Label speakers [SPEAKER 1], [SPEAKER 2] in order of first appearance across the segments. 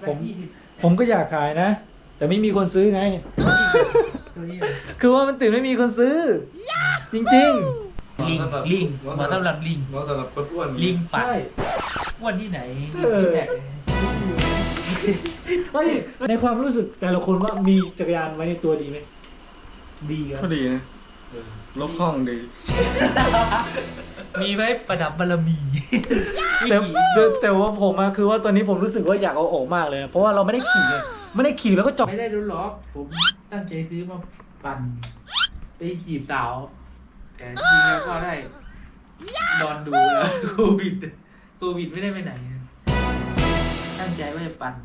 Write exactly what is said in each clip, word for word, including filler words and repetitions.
[SPEAKER 1] ผมผมก็อยากขายนะ แต่ไม่มีคนซื้อไง คือว่ามันติดไม่มีคนซื้อ จริง
[SPEAKER 2] ลิงลิงเหมาะสำหรับลิง
[SPEAKER 3] เหมาะสำหรับคนอ้วน
[SPEAKER 2] ลิง
[SPEAKER 1] ๆ
[SPEAKER 2] ปัด
[SPEAKER 1] ใช่
[SPEAKER 2] อ้วนที่ไหนมี
[SPEAKER 1] เออ
[SPEAKER 2] ฟีดแบ็ก
[SPEAKER 1] เฮ้ยในความรู้สึกแต่ละคนว่ามีจักรยานไว้ในตัวดีไหมดีครั
[SPEAKER 3] ก็
[SPEAKER 1] บ
[SPEAKER 3] ดีนะลบคล่องดี
[SPEAKER 2] มีไว้ประดับบารมี
[SPEAKER 1] แต่แต่แต่ว่าผมอะคือว่าตอนนี้ผมรู้สึกว่าอยากเอาออกมากเลยนะเพราะว่าเราไม่ได้ขี่ไงไม่ได้ขี่แล้วก็จอด
[SPEAKER 2] ไม่ได้รู้หรอกผมตั้งใจซื้อมาปั่นไปจีบสาว แต่จริงแล้วก็ได้นอนดูแล้วโควิดโควิดไม่ได้ไปไหน ตั้งใจว่าจะปั่น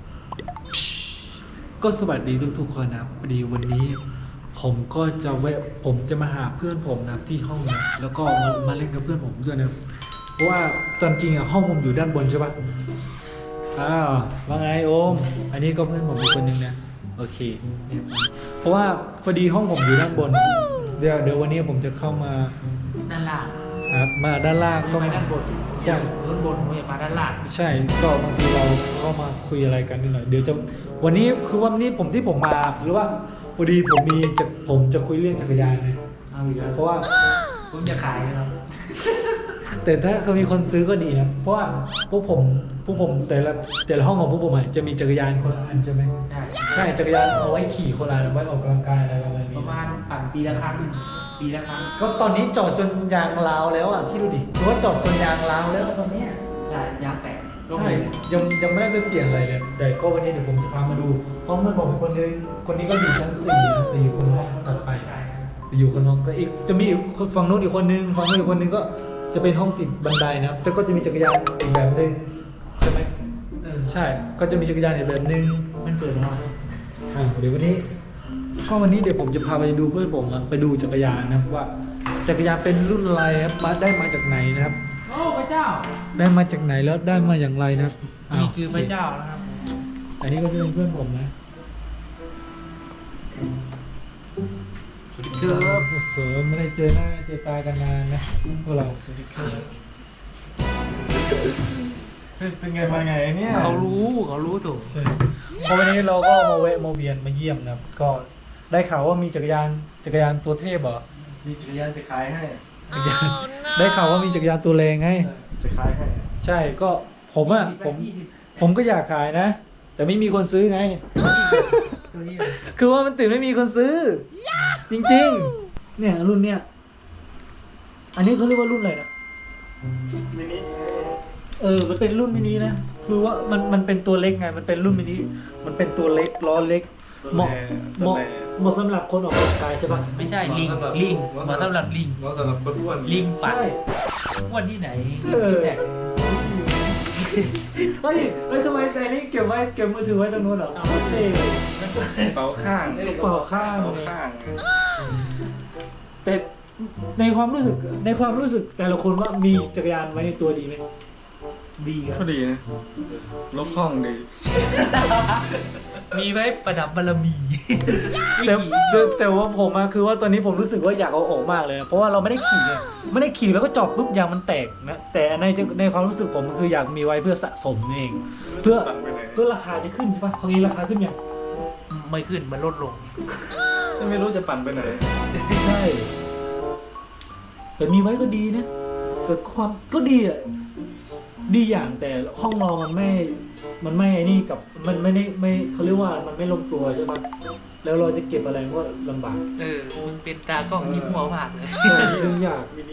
[SPEAKER 1] ก็สวัสดีทุกๆคนนะครับพอดีวันนี้ ผมก็จะแวะผมจะมาหาเพื่อนผมนะครับที่ห้องนะแล้วก็มามาเล่นกับเพื่อนผมด้วยนะเพราะว่าตอนจริงอะห้องผมอยู่ด้านบนใช่ปะอ้าวว่าไงโอม อันนี้ก็เพื่อนผมอีกคนนึงนะโอเคเนี่ยเพราะว่าพอดีห้องผมอยู่ด้านบน เดี๋ยวเดี๋ยววันนี้ผมจะเข้ามา
[SPEAKER 2] ด้านล่าง
[SPEAKER 1] ครับมาด้านล่าง
[SPEAKER 2] ก็
[SPEAKER 1] ก็
[SPEAKER 2] มา
[SPEAKER 1] มา
[SPEAKER 2] ด้านบน
[SPEAKER 1] ใช่
[SPEAKER 2] ด้านบนผมจะมาด้านล่าง
[SPEAKER 1] ใช่ก็บางทีเราเข้ามาคุยอะไรกันนิดหน่อยเดี๋ยวจะวันนี้คือวันนี้ผมที่ผมมาหรือว่าพอดีผมมีจะผมจะคุยเรื่องจักรยานนะ
[SPEAKER 2] เอาอีกแล้ว
[SPEAKER 1] เพราะว่า
[SPEAKER 2] ผมจะขายนะครับ
[SPEAKER 1] แต่ถ้าเขามีคนซื้อก็ดีนะเพราะว่าพวกผมพวกผมแต่ละแต่ละห้องของพวกผมอะจะมีจักรยานคนละอันใช่ไหม
[SPEAKER 2] ได้
[SPEAKER 1] ใช่จักรยานเอาไว้ขี่คนละอันเอาไว้ออกกำลังกายอะไรประมาณ
[SPEAKER 2] ป
[SPEAKER 1] นี้
[SPEAKER 2] ระมาณปั่นปีละครั้งปีละครั้ง
[SPEAKER 1] ก็ตอนนี้จอดจนยางราวแล้วอ่ะคิดดูดิคือว่าจอดจนยางราวแล้วตอนเนี้ย
[SPEAKER 2] ได้ยางแตก
[SPEAKER 1] ใช่ยังยังไม่ได้ไปเปลี่ยนอะไรเลยแต่ก็วันนี้เดี๋ยวผมจะพามาดูห้องเพื่อนผมคนนึงคนนี้ก็อยู่ชั้นสี่นะแต่อยู่คนห้องถัดไปอยู่คนห้องก็อีกจะมีอีกฝั่งนู้นอีกคนนึงฝั่งนู้นอีกคนนึงก็จะเป็นห้องติดบันไดนะครับแต่ก็จะมีจักรยานอีกแบบนึงใช่ไหม
[SPEAKER 2] เออ
[SPEAKER 1] ใช่ก็จะมีจักรยานอีกแบบนึง
[SPEAKER 2] มันเปิดแล้ว
[SPEAKER 1] อ่าเดี๋ยววันนี้ ก็วันนี้เดี๋ยวผมจะพาไปดูเพื่อนผมอะไปดูจักรยานนะครับว่าจักรยานเป็นรุ่นอะไรครับมาได้มาจากไหนนะครับ
[SPEAKER 2] โอ้พระเจ้า
[SPEAKER 1] ได้มาจากไหนแล้วได้มาอย่างไรนะครับาว
[SPEAKER 2] นี่คือพระเจ้านะครับ
[SPEAKER 1] อันนี้ก็จะเป็นเพื่อนผมนะเจอเสริมไม่ได้เจอหน้าเจอตากันนานนะพวกเราสวัสดีครับเป็นไงมาไงเนี่ย
[SPEAKER 2] เขารู้เขารู้ถูก
[SPEAKER 1] ใช่พอวันนี้เราก็มาแวะมาเวียนมาเยี่ยมนะครับก็ได้ข่าวว่ามีจักรยานจักรยานตัวเทพเหรอ
[SPEAKER 3] มีจักรยานจะขายให้
[SPEAKER 1] จักรยานได้ข่าวว่ามีจักรยานตัวแรงไง
[SPEAKER 3] จะขายให้
[SPEAKER 1] ใช่ก็ผมอ่ะผมผมก็อยากขายนะ แต่ไม่มีคนซื้อไง
[SPEAKER 2] ตัวนี้
[SPEAKER 1] คือว่ามันติดไม่มีคนซื้อ จริงๆ เนี่ยรุ่นเนี้ยอันนี้เขาเรียกว่ารุ่นอะไรนะ
[SPEAKER 3] มินิ
[SPEAKER 1] เออมันเป็นรุ่นมินินะคือว่ามันมันเป็นตัวเล็กไงมันเป็นรุ่นมินิมันเป็นตัวเล็กล้อเล็กเหมาะเหมาะเหมาะสำหรับคนออกกำลังกายใช่ปะ
[SPEAKER 2] ไม่ใช่ลิงลิงเหมาะสำหรับลิง
[SPEAKER 3] เหมาะสำหรับคนอ้วน
[SPEAKER 2] ลิงปัด
[SPEAKER 1] ใช่
[SPEAKER 2] อ้วนที่ไหนมี
[SPEAKER 1] เออ
[SPEAKER 2] ฟีดแบ็ก
[SPEAKER 1] เฮ้ยเฮ้ยทำไมแต่นี้เก็บไว้เก็บมือถือไว้ตรงนู้นเหรอโอเค
[SPEAKER 3] เป๋าข้าง
[SPEAKER 1] กระเป๋าข้าง
[SPEAKER 3] เป๋าข้าง
[SPEAKER 1] แต่ในความรู้สึกในความรู้สึกแต่ละคนว่ามีจักรยานไว้ในตัวดีไหมดีค
[SPEAKER 3] ก็
[SPEAKER 1] รับ
[SPEAKER 3] ดีนะลบคล่องดี
[SPEAKER 2] มีไว้ประดับบารมี
[SPEAKER 1] แต่แต่แต่ว่าผมอะคือว่าตอนนี้ผมรู้สึกว่าอยากเอาออกมากเลยนะเพราะว่าเราไม่ได้ขี่ไงไม่ได้ขี่แล้วก็จอดปุ๊บยางมันแตกนะแต่ในในความรู้สึกผมมันคืออยากมีไว้เพื่อสะสมเอง เพื่อ
[SPEAKER 3] ตังไปไหน
[SPEAKER 1] เพื่อราคาจะขึ้นใช่ปะคราวนี้ราคาขึ้นยัง
[SPEAKER 2] ไม่ขึ้นมันลดลง
[SPEAKER 3] ไม่รู้จะปั่นไปไหน
[SPEAKER 1] ใช่แต่มีไว้ก็ดีนะแต่ความก็ดีอะดีอย่างแต่ห้องเรามันไม่ มันไม่ไอ้นี่กับมันไม่ได้ไม่เขาเรียกว่ามันไม่ลงตัวใช่ปะแล้วเราจะเก็บอะไรก็ลำบาก
[SPEAKER 2] เออมึงเป็นตากล้องยิ้มหัวผากเลย
[SPEAKER 1] ใช่ยุ่งยาก
[SPEAKER 3] มินิ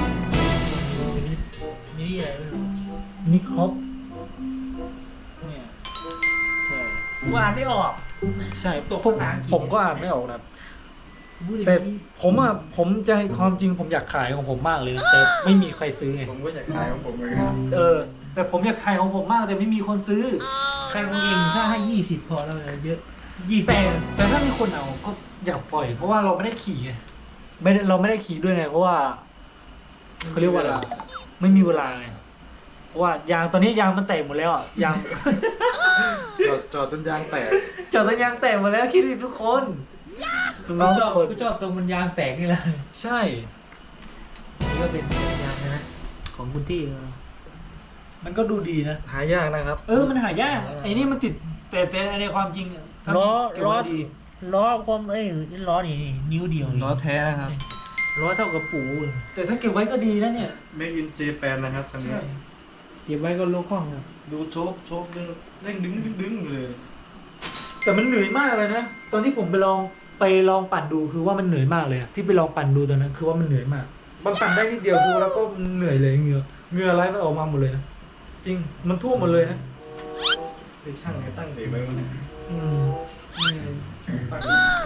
[SPEAKER 2] มีนี่อะไรไม่รู้
[SPEAKER 1] นี่ครบ
[SPEAKER 2] เนี่ย
[SPEAKER 1] ใช่
[SPEAKER 2] กูอ่านไม่ออก
[SPEAKER 1] ใช่
[SPEAKER 2] ตก
[SPEAKER 1] ผม
[SPEAKER 2] ภาษาอังกฤษ
[SPEAKER 1] ผมก็อ่านไม่ออกนะ
[SPEAKER 2] พูดอย่าง
[SPEAKER 1] แต่
[SPEAKER 2] นี้
[SPEAKER 1] ผมอ่ะผมจะความจริงผมอยากขายของผมมากเลยนะแต่ไม่มีใครซื้อไง
[SPEAKER 3] ผมก็อยากขายของผมเลย
[SPEAKER 1] เออ แต่ผมอยากขายของผมมากแต่ไม่มีคนซื้อ
[SPEAKER 2] ใครของเองถ้าให้ยี่สิบพอแล้วเลยเยอะยี่
[SPEAKER 1] แต่แต่ถ้ามีคนเอาก็อยากปล่อย เพราะว่าเราไม่ได้ขี่ไงไม่ได้เราไม่ได้ขี่ด้วยไงเพราะว่าเขาเรียกว่าอะไรไม่มีเวลาไงเพราะว่ายางตอนนี้ยางมันแตกหมดแล้วอ่ะยาง
[SPEAKER 3] จอดจอดจนยางแตก
[SPEAKER 1] จอดตยางแตกหมดแล้วคิดดิทุกคนน้อง
[SPEAKER 2] กูช
[SPEAKER 1] ทุ
[SPEAKER 2] อก บ
[SPEAKER 1] คน
[SPEAKER 2] กูชอบตรงมันยางแตกนี่แหละ
[SPEAKER 1] ใช่
[SPEAKER 2] นี่ก็เป็นยางนะของคุณที่
[SPEAKER 1] มันก็ดูดีนะ
[SPEAKER 3] หายากนะครับ
[SPEAKER 1] เออมันหายากไอ้นี่มันติดแต่แต่ในความจริงอะถ้า
[SPEAKER 2] ล้อ
[SPEAKER 1] เก็บ
[SPEAKER 2] ล้อ
[SPEAKER 1] ไว้ดี
[SPEAKER 2] ล้อความเอ้ยล้อนี่นิ้วเดียว
[SPEAKER 3] ล้อแท้นะครับ
[SPEAKER 2] ล้อเท่ากับปูเลย
[SPEAKER 1] แต่ถ้าเก็บไว้ก็ดีนะเนี่ย
[SPEAKER 3] Made in Japan นะครับคันนี้
[SPEAKER 1] ใช่
[SPEAKER 2] เก็บไว้ก็ลกห้องครับ
[SPEAKER 3] ดูโชคโชคเด้งดึงดึงดึงเลย
[SPEAKER 1] แต่มันเหนื่อยมากเลยนะตอนที่ผมไปลองไปลองปั่นดูคือว่ามันเหนื่อยมากเลยอะที่ไปลองปั่นดูตอนนั้นคือว่ามันเหนื่อยมากมันปั่นได้นิดเดียวคือแล้วก็เหนื่อยเลยเหงื่อเหงื่อไหลมันออกมาหมดเลยนะจริงมันท่วมหมดเลยนะ
[SPEAKER 3] เป็นช่างให้ตั้งเบรกไว้วะเนี่ย
[SPEAKER 1] อืม
[SPEAKER 3] ตั้ง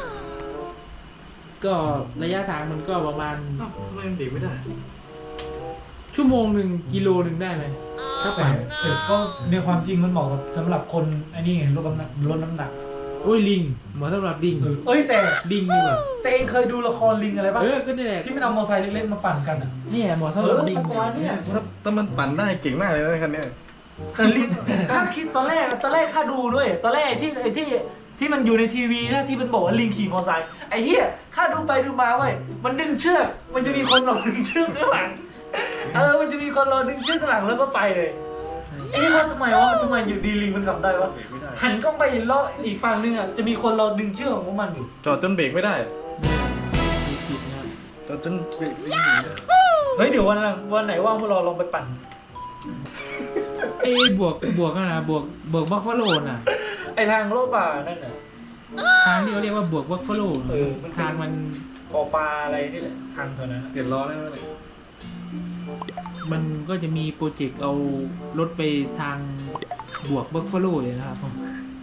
[SPEAKER 2] ก็ระยะทางมันก็ประมาณ
[SPEAKER 3] อ้าวทำไมมันเบรกไม่ได้
[SPEAKER 2] ชั่วโมงหนึ่งกิโลหนึ่งได้ไหมถ้า
[SPEAKER 1] แต่
[SPEAKER 2] ปั่น
[SPEAKER 1] แต่ก็ในความจริงมันเหมาะกับสำหรับคนไอ้นี่ไงลดน้ำหนักลดน้ำหนัก
[SPEAKER 2] โอ้ยลิงเหมาะสำหรับลิง
[SPEAKER 1] เออเอ้ยแต่
[SPEAKER 2] ลิงดีกว่า
[SPEAKER 1] แต่เองเคยดูละครลิงอะไรป่ะ
[SPEAKER 2] เออก็นี่แหละ
[SPEAKER 1] ที่มันเอามอเตอร์ไซค์เล็กๆมาปั่นกันอ่ะ
[SPEAKER 2] เนี่ยเหมาะ
[SPEAKER 1] เอ
[SPEAKER 2] สำหรับ
[SPEAKER 1] อ
[SPEAKER 2] ลิง
[SPEAKER 1] ประมาณเนี้ย
[SPEAKER 3] ถ้าถ้ามันปั่นได้เก่งมากเลยนะคันเนี้ย
[SPEAKER 1] แต่ลิงถ้าคิดตอนแรกตอนแรกข้าดูด้วย ตอนแรกที่ไอ้ที่ที่มันอยู่ในทีวีนะที่มันบอกว่าลิงขี่มอเตอร์ไซค์ไอ้เหี้ยข้าดูไปดูมาเว้ยมันดึงเชือกมันจะมีคนรอดึงเชือกข้างหลังเออมันจะมีคนรอดึงเชือกข้างหลังแล้วก็ไปเลยไอ้นี่ว่าทำไมวะทำไมอยู่ดีลิงมันขับได้วะ
[SPEAKER 3] เบรกไม่ได้
[SPEAKER 1] หันกล้องไปล้ออีกฝั่งนึงอ่ะจะมีคนรอดึงเชือกของพวกมันอยู่
[SPEAKER 3] จอดจนเบรกไม่ได้
[SPEAKER 2] ผิดนะครับ
[SPEAKER 3] จอดจนเบรกไม่ได้
[SPEAKER 1] เฮ้ยเดี๋ยววันหลังวันไหนว่างพวกเราลองไปปั่น
[SPEAKER 2] ไอ้บวกบวกนะบวกบวกบัฟฟาโลน่ะ
[SPEAKER 1] ไอทางโลกป่านั่นน่ะ
[SPEAKER 2] ทางที่เขาเรียกว่าบวกบัฟฟาโล
[SPEAKER 1] เออมันเป็น
[SPEAKER 2] ทางมัน
[SPEAKER 1] บ่อปลาอะไรนี่แหละทางเท่านั้น
[SPEAKER 3] เปลี่ยนล้อได้ไหมเนี่ย
[SPEAKER 2] มันก็จะมีโปรเจกต์เอารถไปทางบวกบัฟฟาโลเลยนะครับผม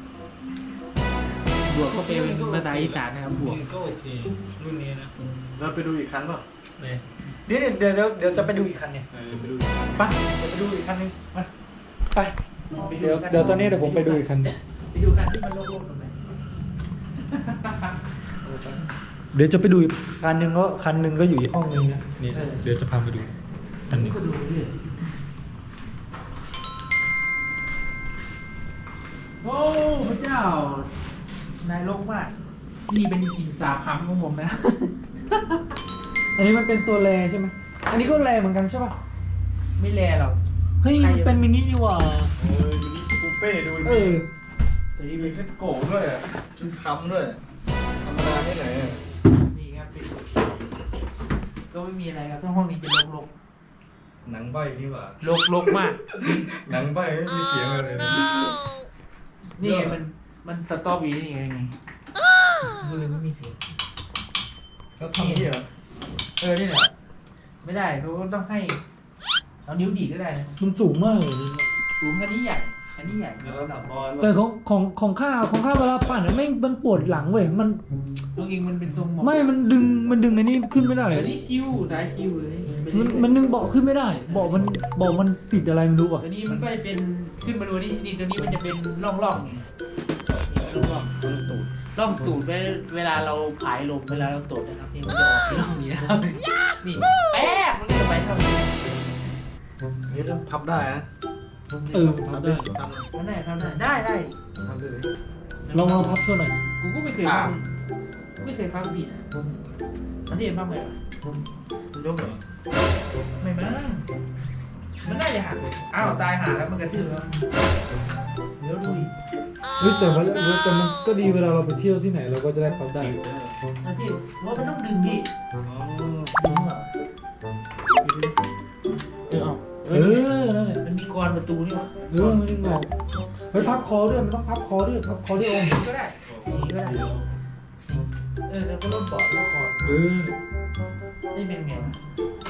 [SPEAKER 2] บวกก็เป็นภาษาอีสานนะครับบวก
[SPEAKER 1] ก็โอเครุ่นนี้นะ
[SPEAKER 3] เราไปดูอีกคันเปล่า
[SPEAKER 1] เนี่ยเดี๋ยวเดี๋ยวเดี๋ยวเดี๋ยวจะไปดูอีกคันเนี่ย
[SPEAKER 3] เออไปดู
[SPEAKER 1] ไปเดี๋ยวไปดูอีกคันนึงมาไปเดี๋ยวเดี๋ยวตอนนี้เดี๋ยวผมไปดูอีกคัน
[SPEAKER 2] ไปดูกันที่มันโล่งๆตรงไหน
[SPEAKER 1] เดี๋ยวจะไปดูอีกคันหนึ่งก็คันหนึ่งก็อยู่อีกห้องนึงนะนี่เดี๋ยวจะพาไปดูคันหนึง
[SPEAKER 2] ก็ดูเรื่อยโอ้พระเจ้านายโลกมากนี่เป็นหินสาพังของผมนะ
[SPEAKER 1] อันนี้มันเป็นตัวแรใช่ไหมอันนี้ก็แรเหมือนกันใช่ป่ะ
[SPEAKER 2] ไม่แลหรอก
[SPEAKER 1] เฮ้ยมันเป็นมินินี่หว่า
[SPEAKER 3] เออมินิคูเป้ดู
[SPEAKER 1] เออ
[SPEAKER 3] แต่นี่มีแค่โก้ด้วยอ่ะชุดค้ำด้วยธรรมดาที่ไหนอะ
[SPEAKER 2] นี่ครับปิดก็ไม่มีอะไรครับทั้งห้องนี้จะลก
[SPEAKER 3] หนังใบนี่หว่า
[SPEAKER 2] ๆลกลกมาก
[SPEAKER 3] หนังใบไม่มีเสียงอะไรเลย
[SPEAKER 2] นี่ไงมันมันสตอบีนี่ไงไงก็เลยไม่มีเสียง
[SPEAKER 3] เขาทำนี่เหรอ
[SPEAKER 2] เออนี่แหละไม่ได้เขาต้องให้เอานิ้วดีดก็ได้นะ
[SPEAKER 1] มันสูงมากเลย
[SPEAKER 2] สูงอันนี้ใหญ่อันนี้ใหญ่
[SPEAKER 3] แล้วสับปอน
[SPEAKER 1] แต่ของของของข้าของข้าเวลาปั่นอะแม่งมันปวดหลังเว้ยมัน
[SPEAKER 2] ตัวเองมันเป็นทรงหมอก
[SPEAKER 1] ไม่มันดึงมันดึงไอ้นี่ขึ้นไม่ได้
[SPEAKER 2] อันนี้คิ้วสายคิ้วเลย
[SPEAKER 1] มันมันดึงเบาะขึ้นไม่ได้เบาะมันเบาะมันติดอะไรไม่รู้อ่ะ
[SPEAKER 2] ตัวนี้มันก็จะเป็นขึ้นมาดูนี่นี่ตัวนี้มันจะเป็นร่องร่องๆไงนี่ร่องร่อง
[SPEAKER 3] ต้นตูด
[SPEAKER 2] ร่องตูดเวลาเวลาเราผายลมเวลาเราตดนะครับนี่มันจะออกที่ร่องนี้นะครับนี่แป๊บมันก็จะไปเท่านี้
[SPEAKER 3] นี่ต้องพับได้นะ
[SPEAKER 1] เออทำได้
[SPEAKER 3] ทำ
[SPEAKER 2] ทำได้ทำได้ได้ได้
[SPEAKER 3] ทำได้เลย
[SPEAKER 1] ลองลองพับช่วยหน่อย
[SPEAKER 2] กูก็ไม่เคยฟังไม่เคยฟังผิดนะอันที่เห็นฟังไหมวะ
[SPEAKER 3] ยกเหรอ
[SPEAKER 2] ไม่มั้งมันน่าจะหักอ้าวตายหาแล้วมันกระทืบแล้วเดี๋ยวดูอีก
[SPEAKER 1] เฮ้ยแต่ว่าแต่มันก็ดีเวลาเราไปเที่ยวที่ไหนเราก็จะได้พับได้
[SPEAKER 2] อันที่ว่ามันต้องดึงดิ
[SPEAKER 3] อ๋อ
[SPEAKER 2] ดึงเหรอเออเอา
[SPEAKER 1] เออนั่นแหละ
[SPEAKER 2] มันมีกรอนประตูนี่วะ
[SPEAKER 1] เออมันดึงออกเฮ้ยพับคอด้วยมันต้องพับคอด้วยพับคอด้วยองค์
[SPEAKER 2] ก็ได้อย่างนี้ก็ได้เออแล้วก็ร่มปอดร่มคอ
[SPEAKER 1] เออ
[SPEAKER 2] นี่เป็นไงวะ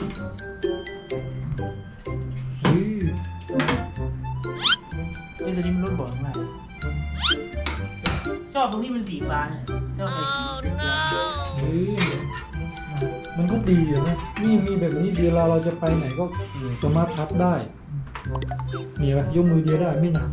[SPEAKER 1] เฮ้ย
[SPEAKER 2] เออตัวนี้มันร่มปอดมากชอบตรงที่มันสีฟ้าเนี่ยชอบไปสีเขียว
[SPEAKER 1] เฮ้ยมันก็ดีอะนะนี่มีแบบนี้เวลาเราจะไปไหนก็สามารถพับได้เนี่ยปะยกมือเดียวได้ไม่หนัก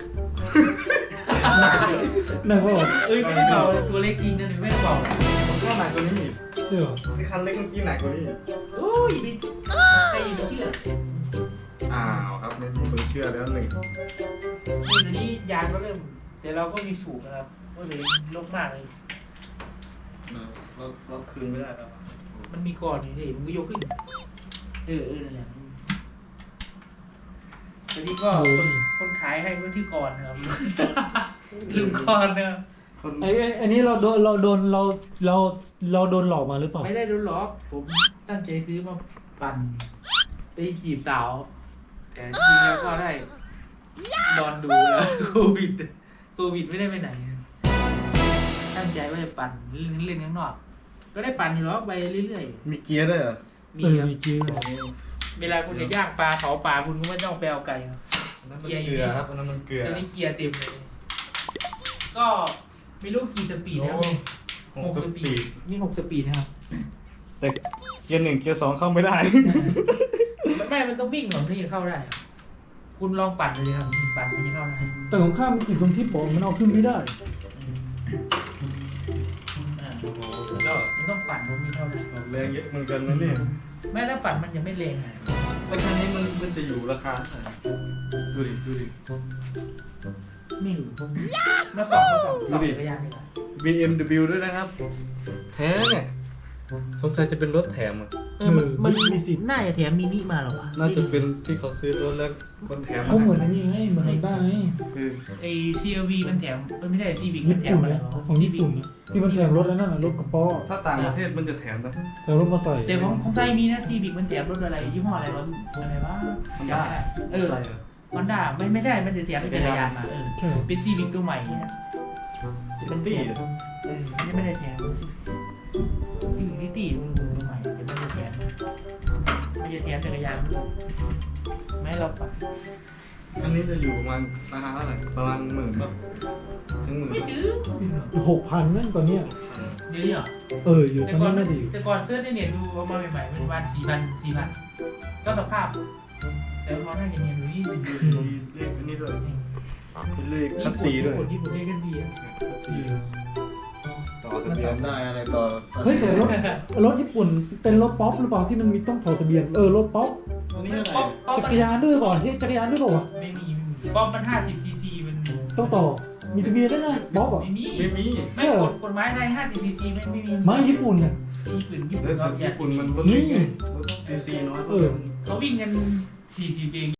[SPEAKER 1] หนักก็
[SPEAKER 2] เอ้ยไม่ได้เบาเลยตัวเล็กจริงนะนี่ไม่ได้เบา
[SPEAKER 3] ผมก็หนักกว่านี้อีก
[SPEAKER 1] เชื่อ
[SPEAKER 3] ไอ้คันเล็กเมื่อกี้หนักกว่านี้อีก
[SPEAKER 2] โอ้ยบินใครจะเชื่อ
[SPEAKER 3] อ้าวครับไม่มีคนเชื่อแล้วหนึ่ง
[SPEAKER 2] นี่ตัวนี้ยางก็เริ่มแต่เราก็มีสูบนะครับก็เลยลกมากเลย
[SPEAKER 3] เราเราคืนไม่ได้แล้ว
[SPEAKER 2] มันมีก่อนนี่ดิมันก็ยกขึ้นเออเออนั่นแหละวันนี้ก็คนคนขายให้ก็ชื่อกรนะครับ ลุงกรนะครับ
[SPEAKER 3] คน
[SPEAKER 1] ไอ้ไอ้ไอ้นี่เราโดนเราโดนเราเราเราโดนหลอกมาหรือเปล่า
[SPEAKER 2] ไม่ได้โดนหลอกผมตั้งใจซื้อมาปั่นไปจีบสาว แต่จริงๆแล้วก็ได้นอนดูแล้ว โควิดโควิดไม่ได้ไปไหน ตั้งใจว่าจะปั่นเล่นเล่นข้างนอก ก็ได้ปั่นอยู่หรอกไปเรื่อย
[SPEAKER 3] มีเกียร์ด้วยเหรอ
[SPEAKER 2] ๆมี
[SPEAKER 1] เออ
[SPEAKER 2] ครับ
[SPEAKER 1] มีจริง
[SPEAKER 2] เวลาคุณจะย่างปลาเผาปลาคุณก็ไม่ต้องไปเอาไก่ครับ
[SPEAKER 3] อันนั้นมันเกลือครับอันนั้นมันเกลือ
[SPEAKER 2] ตอนนี้เกียร์เต็มเลย ก็ไม่รู้กี่สปีดนะครับ
[SPEAKER 3] โอ้หกสปีด
[SPEAKER 2] นี่หกสปีดนะครับ
[SPEAKER 3] แต่เกียร์หนึ่งเกียร์สองเข้าไม่ได้
[SPEAKER 2] มันไม่มันต้องวิ่งก่อนที่จะเข้าได้ครับคุณลองปั่นเลยครับปั่นมันจะเข้าได้
[SPEAKER 1] แต่ของข้ามมันติดตรงที่โปะมันเอาขึ้นไม่ได้
[SPEAKER 2] อ่า
[SPEAKER 3] โอ้โหสุดยอด
[SPEAKER 2] มันต้องปั่นมันมีเข้าได้
[SPEAKER 3] แรงเยอะเหมือนกันนะเนี่ย
[SPEAKER 2] แม้ถ้าปั่นมันยังไม่แรงอ่ะ
[SPEAKER 3] แล้วคันนี้มันมันจะอยู่ราคาเท่าไหร่ดูดิดูดิ
[SPEAKER 2] ไม่รู้มาสอบมาสอบสอบจักรยานดีกว่า
[SPEAKER 3] บี เอ็ม ดับเบิลยู ด้วยนะครับ แท้เนี่ยสงสัยจะเป็นรถแถมอ่ะ
[SPEAKER 2] เออมันมัน
[SPEAKER 1] มีสิทธิ์
[SPEAKER 2] น่าจะแถมมินิมาหรอวะ
[SPEAKER 3] น่าจะเป็นที่เขาซื้อรถแล้วคนแถม
[SPEAKER 1] ก็เหมือนอันนี้ไงเหมือนฮอนด้าไง
[SPEAKER 3] คือ
[SPEAKER 2] ไอซีเอวีมันแถมเออไม่ใช่ซีวิกมั
[SPEAKER 1] ญี่
[SPEAKER 2] นแถ
[SPEAKER 1] ปุ่
[SPEAKER 2] ม
[SPEAKER 1] น
[SPEAKER 2] อะไร
[SPEAKER 1] นะ
[SPEAKER 2] หรอ
[SPEAKER 1] ของญี่ปุ่นนะที่มันแถมรถอันนั้นน่ะรถกระป๋อ
[SPEAKER 3] ถ้าต่างประเทศมันจะแถมนะ
[SPEAKER 1] แถมรถมาใส่
[SPEAKER 2] แต่ของของไทยมีนะซีวิกมันแถมรถอะไรยี่ห้ออะไรรถอะไรวะจำไม่ได้เออ
[SPEAKER 3] อะไรอ่ะ
[SPEAKER 2] ฮอนด้าไม่ไม่ได้มันจะแถมเป็นจักรยานมาเออ
[SPEAKER 1] ใช่
[SPEAKER 2] เป็นซีวิกตัวใหม่เนี่ย
[SPEAKER 3] ซิตี้อ่ะ
[SPEAKER 2] เออไม่ไม่ได้แถมซีวิกซิตี้มันตัวใหม่แต่ไม่ได้แถมไม่ได้แถมจักรยานไม่ให้เราปั่น
[SPEAKER 3] อันนี้จะอยู่ประมาณราคาเท่าไหร่ประมาณหมื่นป่ะถึงหมื่น
[SPEAKER 2] ไม่ถือ
[SPEAKER 1] หกพันนั่นตอนเนี้ย
[SPEAKER 2] เดี๋ยวนี้เหรอ
[SPEAKER 1] เอออยู่ต
[SPEAKER 2] แต่
[SPEAKER 1] อน
[SPEAKER 2] ก่อ
[SPEAKER 1] นี้
[SPEAKER 2] น
[SPEAKER 1] น่าดี
[SPEAKER 2] แต่ก่อนเสื้อในเน็ตดูเอามาใหม่ๆมันประมาณสี่พันสี่พันก็สภาพ แต่พอหน้าเนียนๆดูนี่เป็น
[SPEAKER 3] มีเลขอันนี้ด้วยเป็นเลขคัดสีด้วย
[SPEAKER 2] ญี่ปุ่นญี่ปุ่นเรียกกันดีอะ
[SPEAKER 3] ต่อทะเบียนได้อะไรต่อ
[SPEAKER 1] เฮ้ยแต่รถรถญี่ปุ่นเป็นรถป๊อปหรือเปล่าที่มันมีต้องถอดทะเบียนเออรถป๊อป
[SPEAKER 3] อันนี้อะไร
[SPEAKER 2] ป๊อปป๊อป
[SPEAKER 1] จักรยานด้วยก่อนที่จักรยานด้วยเปล่าวะ
[SPEAKER 2] ไม่มีป๊อปมันห้าสิบซีซีมัน
[SPEAKER 1] ต้องต่อมีทะเบียนด้วยนะป๊อปอ่ะ
[SPEAKER 2] ไม่มี
[SPEAKER 3] ไม่มี
[SPEAKER 2] ไม่กฎกฎหมายไทยห้าสิบซีซีไม่ไม่มี
[SPEAKER 1] ไม่ญี่ปุ่นอ่ะ
[SPEAKER 2] ญี่ปุ่นญี่ปุ่
[SPEAKER 3] แล้
[SPEAKER 2] น
[SPEAKER 3] ว
[SPEAKER 2] เขาอยา
[SPEAKER 3] ญี่
[SPEAKER 2] ก
[SPEAKER 3] ปุ่นมันรถเล็กไงรถซีซีน้อย
[SPEAKER 1] เออ
[SPEAKER 2] เขาวิ่งกันสี่สิบเอง